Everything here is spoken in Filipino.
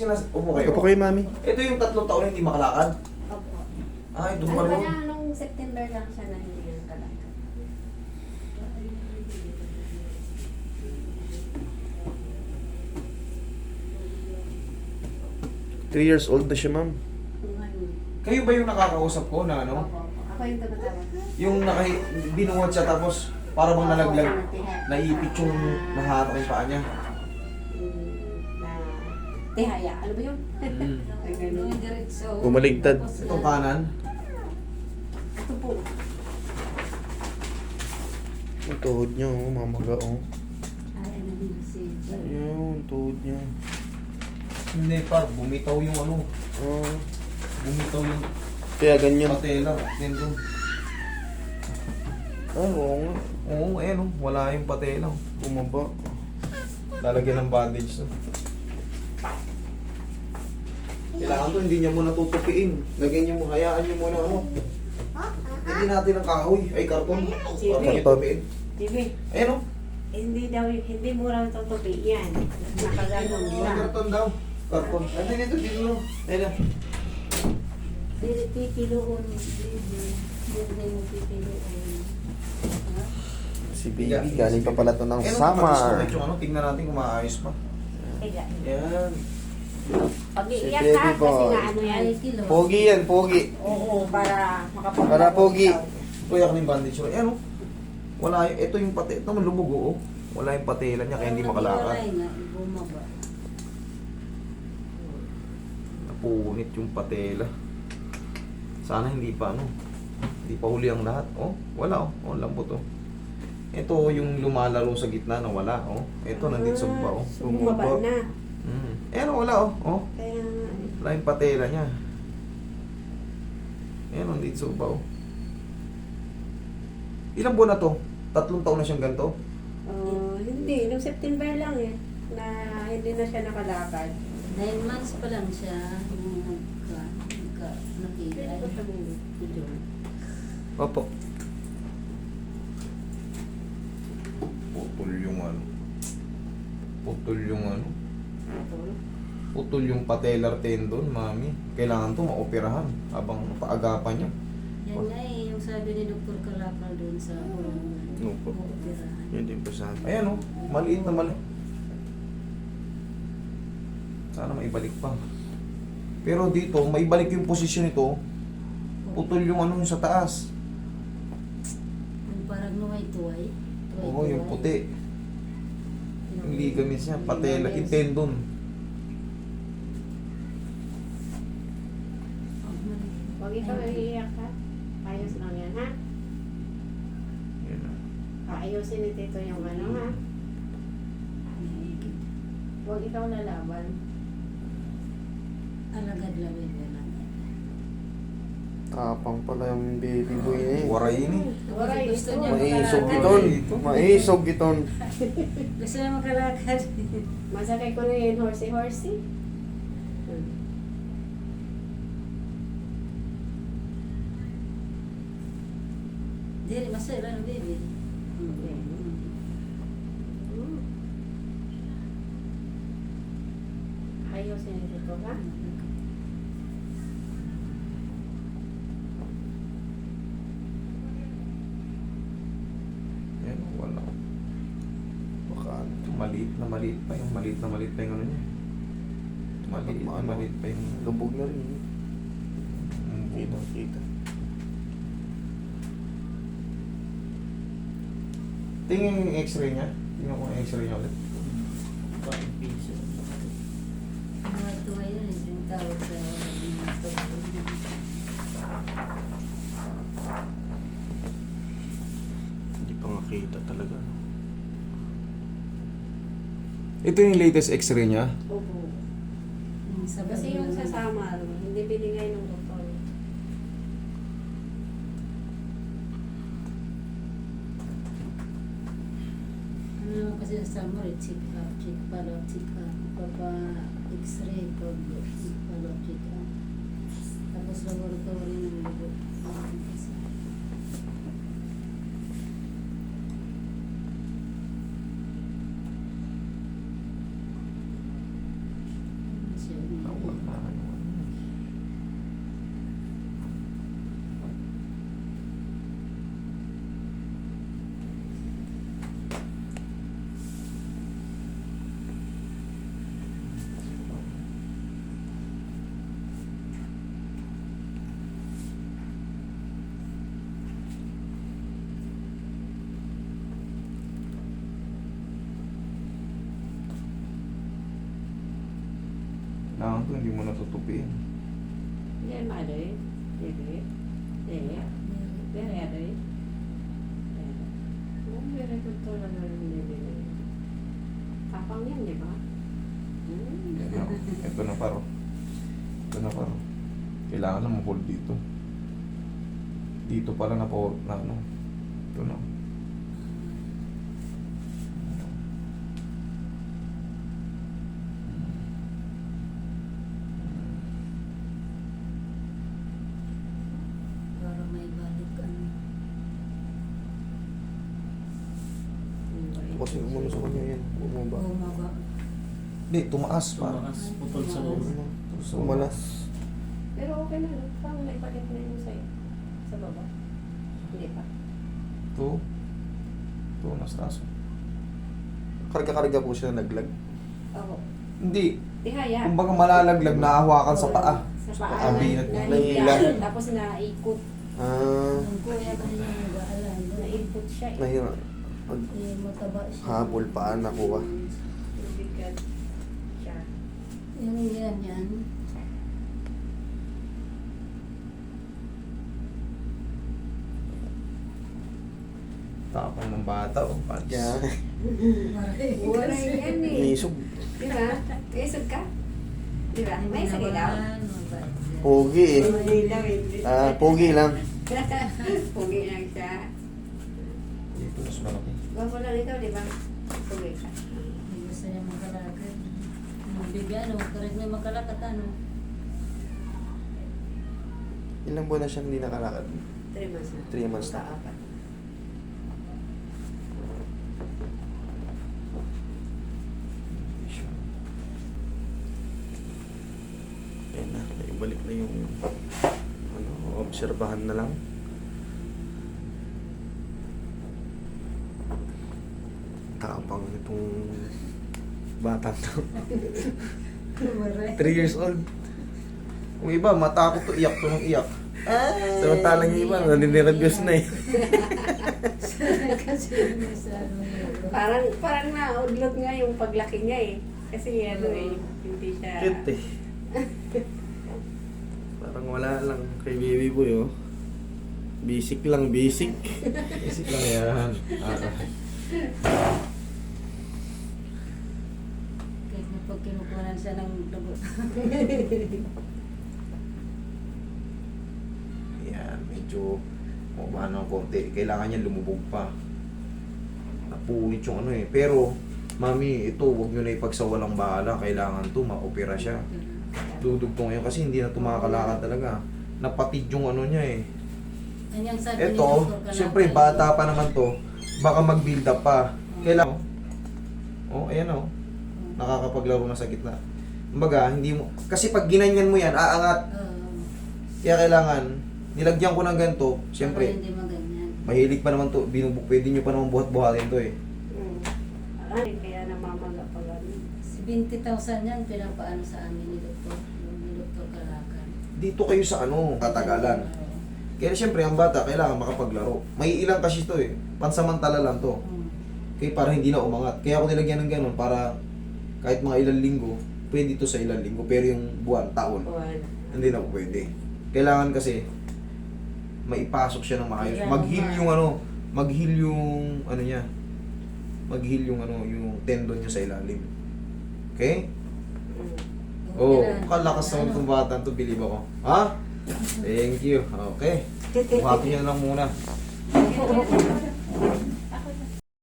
Upo kayo. Opo kayo, mami. Ito yung 3 taon na hindi makalakad. Opo. Ay, doon Ano pa ba rin. niya, nung September lang siya na hindi yung talaga. 3 years old na siya, ma'am. Ngayon. Kayo ba yung nakakausap ko na ano? Opo, opo. Ako yung tumatawag. Yung binuhat siya tapos para bang nalaglag, naipit yung nahatak yung paa niya. Na tihaya. Ano ba yun? Mm. Ay, ganun. Diretso. Bumaligtad. Itong kanan. Ito po. Ang tuhod niya, oh. Mamaga, oh. Ay, ano din si Ayun, tuhod niya. Hindi pa, bumitaw yung ano. Oh. Bumitaw yung Kaya ganyan. patela. Tendon. Ah, oo nga. Oo, eh no. Wala yung patela. Bumaba. Lalagyan ng bandage to. Kailangan to, hindi niya muna tutupiin. Lagyan niyo mo, hayaan niyo muna ano. Hindi natin ang kahoy, ay karton. Para tutupiin. TV. Ayan o. Hindi daw, hindi mo raw tutupi yan. Nakaganon lang. Karton daw. Karton. Ano dito, dito. Ayan na. Dili pipiloon. Dili mo pipiloon. Si baby, galing pa pala to ng Ayan o, summer. yung ano, tingnan natin kung maayos pa. Higa. Ayan. Pag-iiyak Si ka, baby kasi boy. nga ano yan. Pogi yan, pogi. Oo, para makapag- Para pogi. Kuya ka ng bandage. Ayan o. Wala yung, ito yung pati, ito malubog o. Wala yung patela niya kaya hindi makalakad. Napunit yung patela. Sana hindi pa ano. Hindi pa huli ang lahat. Oh, wala oh. Oh, lambot oh. Ito yung lumalaro sa gitna na wala oh. Ito nandito sa baba oh. Bumaba na. Ayan oh, wala oh. Oh, Kaya nga. wala yung patela niya. Ayan oh, nandito sa baba oh. Ilang buwan na to? 3 taon na siyang ganito? Hindi. Noong September lang eh. Na hindi na siya nakalakad. 9 months pa lang siya nung nakita. Opo. Putol yung ano. Putol yung ano. Putol yung patellar tendon, mami. Kailangan to maoperahan habang paagapan niya. Yan nga eh, yung sabi ni Dr. Kalakal doon sa Opo. operahan. Yan din pa sa akin. Ayan oh, maliit na maliit. Sana maibalik pa. Pero dito, maibalik yung posisyon nito. Putol yung ano yung sa taas. Yung parang nuway-tuway. Oo, yung puti. Yung ligaments niya, patella, yung tendon. Huwag ikaw iiyak ha. Ayos lang yan ha. Yan ah. Ayusin ni Tito yung ano ha. Huwag ikaw lalaban. Alagad lawin ka lang. Tapang pala yung baby boy na eh. Waray ini. Waray, Gusto ito. niya Maisog makalakad. giton. Maisog giton. Gusto niya makalakad. Masakay ko na yun, horsey-horsey. Dili, masaya lang baby. Ayusin ni Tito ha. Yan, wala. Baka Maliit na maliit pa yung maliit na maliit pa yung ano niya. Maliit na maliit pa yung lubog na rin. Kita, buo. kita. Tingin yung x-ray niya. Tingnan ko yung x-ray niya ulit. Nuway-tuway yun eh, yung tawag sa Hindi pa nga kita talaga. Ito yung latest x-ray niya. Opo. sa Kasi yung sa summer, hindi binigay ng doktor. Ano naman kasi sa summer, check up, check up. Pagka x-ray, pag follow, check up. Tapos laboratory ng dugo. Kasi siya, Kailangan to, hindi mo natutupiin. Yan, maday. Dili. Dili. Dili, aday. Very good talaga yung dili na yun. Tapang yan, di ba? Yan na. Ito na paro. Ito na paro. Kailangan na ma-hold dito. Dito pala na po na ano. Ito na. Para may balik ano. Kasi umano sa kanya yan. Bumaba. Bumaba. Hindi, tumaas pa. Tumakas, putol sa loob. Umalas. Pero okay na, no? Parang naibalik na yung sa'yo. Sa baba. Hindi pa. Ito. Ito, nasa taso. Karga-karga po siya naglag. Oo. Hindi. Tihaya. Kumbaga malalaglag, nahawakan sa paa. Sa Sa paa. kabinat. Nahiga. Tapos naikot. Ang kuya kasi niya nag-aalam. Naikot siya. Nahira. Eh, mataba siya. Habol pa, nakuha. Nabigat siya. Yung ganyan. Tapang ng bata o pants. Kaya, Wala yan eh. nisog. Di ba? Isog ka? Di ba? May isa ilaw. Pogi eh. Hindi lang, hindi. Pogi lang. Pugi lang siya. Dito, mas malaki. Gwapo lang ikaw, di ba? Pugi ka. Gusto niya makalakad. Bigyan, ano, correct na makalakad, ano. Ilang buwan na siya hindi nakalakad? 3 months na. 3 months na. Apat. Ayan na, ibalik na yung ano, obserbahan na lang. Tapang itong batang to. 3 years old. Yung iba, matakot to, iyak to ng iyak. Samantalang yung iba, naninirebyos na eh. Kasi sa ano yun. Parang naudlot nga yung paglaki niya eh. Kasi ano eh, hindi siya... Cute eh. Parang wala lang kay baby boy oh. Basic lang, basic. Isip lang yan. Kahit na pag kinukuhanan siya ng dugo. Yan, medyo mukha ng konti. Kailangan niya lumubog pa. Napunit yung ano eh. Pero, mami, ito, huwag nyo na ipagsawalang bahala. Kailangan to, ma-opera siya. Dudugtong ngayon kasi hindi na tumakalakad talaga. Napatid yung ano niya eh. Yan yung sabi ni Ito, Dr. Kalakal. siyempre bata pa naman to. Baka mag-build up pa. Kailangan. Oh, ayan oh. Nakakapaglaro na sa gitna. Kumbaga, hindi mo... Kasi pag ginanyan mo yan, aangat. Kaya kailangan, nilagyan ko ng ganito, Para siyempre, hindi maganyan. mahilig pa naman to, pwede nyo pa naman buhat-buhatin to eh. Ay, kaya namamaga pa gano'n. 70,000 yan, pinapaano sa amin ni Dr. Ni Dr. Kalakal. Dito kayo sa ano, katagalan. Kaya siyempre, ang bata, kailangan makapaglaro. May ilang kasi to eh, pansamantala lang to. Kaya para hindi na umangat. Kaya ako nilagyan ng ganun para kahit mga ilang linggo, pwede to sa ilang linggo. Pero yung buwan, taon, Buwan. hindi na pwede. Kailangan kasi maipasok siya ng maayos. Kaya Mag-heal naman. yung ano, mag-heal yung ano niya. Mag-heal yung ano, yung tendon niya sa ilalim. Okay? Oh, kalakas naman itong bata to, believe ako. Ha? Thank you. Okay. Buhatin niyo na lang muna.